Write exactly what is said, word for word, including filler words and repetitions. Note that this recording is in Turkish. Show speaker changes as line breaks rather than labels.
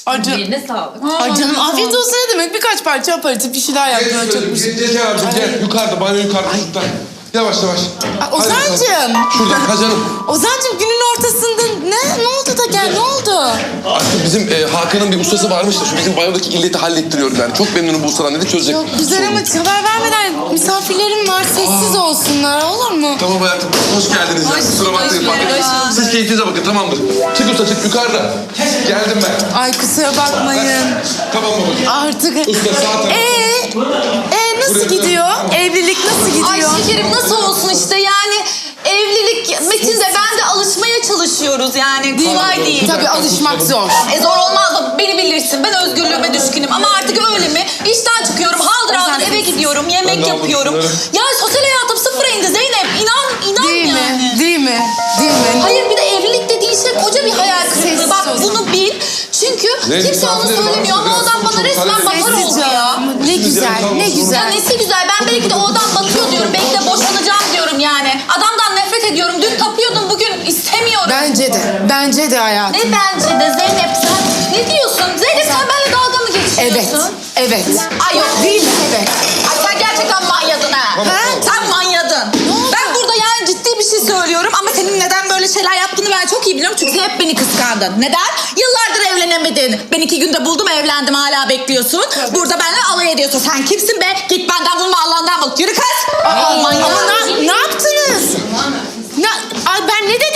Ay canım.
Eline sağlık.
Ay canım afiyet olsun ne demek? Birkaç parça aparatif bir şeyler yaptım.
Gel,
Çok
gel,
bir şey.
gel, gel abicim gel. Yukarıda, banyo yukarıda. Şuradan. Yavaş yavaş.
Ay, Ozan'cığım.
Şuradan, ha canım.
Ozan'cığım günün ortasında ne? Ne oldu da gel? Ne oldu?
Artık bizim e, Hakan'ın bir ustası varmış da şu bizim banyodaki illeti hallettiriyorum yani. Çok memnunum bu ustadan dedi, çözecek.
Çok güzel ama haber vermeden misafirlerim var. Sessiz olsunlar olur mu?
Tamam hayatım, hoş geldiniz ya. Kusura bakmayın.
hoş bulduk.
bakın. Siz keyfinize bakın, tamamdır. Çık usta çık, yukarıda. Geldim ben.
Ay kusura bakmayın.
Tamam babacığım.
Artık.
Usta sağ taraf.
Ee, ee nasıl
Buraya-
gidiyor? Evlilik nasıl gidiyor?
Ay şekerim nasıl olsun işte yani evlilik Metin de ben de alışmaya çalışıyoruz yani kolay değil.
Tabii alışmak zor.
E zor olmaz da beni bilirsin ben özgürlüğüme düşkünüm ama artık öyle mi? İşten çıkıyorum haldır haldır eve gidiyorum
Ben
yemek
de aldım
yapıyorum.
şunları.
Ya sosyal hayatım sıfıra indi Zeynep inan inan
Değil
yani.
mi? Değil mi? Değil mi?
Hayır bir de evlilik dediğin şey koca bir hayal kırıklığı.
Sessiz
Bak
o zaman.
bunu bil. Çünkü
Ne,
kimse onu
misafirlerim
söylemiyor
var,
ama o adam
biraz
bana resmen
çabuk
bakar
halledin.
oldu ya.
Ne güzel, ne
Ya
güzel.
nesi güzel ben belki de o adam batıyor diyorum. Belki de boşanacağım diyorum yani. Adamdan nefret ediyorum. Dün tapıyordum bugün istemiyorum.
Bence de, bence de hayatım.
Ne bence de Zeynep sen ne diyorsun? Zeynep sen benimle dalga mı geçiyorsun?
Evet, evet.
Ay yok.
Değil mi? Evet.
Ay sen gerçekten manyadın ha.
Tamam,
ha?
tamam.
Sen manyadın. Ben burada yani ciddi bir şey söylüyorum ama senin neden böyle şeyler yaptığını ben çok iyi biliyorum. Çünkü sen hep beni kıskandın. Neden? Yıllardır evlenemedin. Ben iki günde buldum evlendim hala bekliyorsun. Burada benimle alay ediyorsun. Sen kimsin be? Git benden bulma Allah'ından bul. Yürü kız.
Aa,
manyak.
ama ne, ne yaptınız? Ne, ay ben ne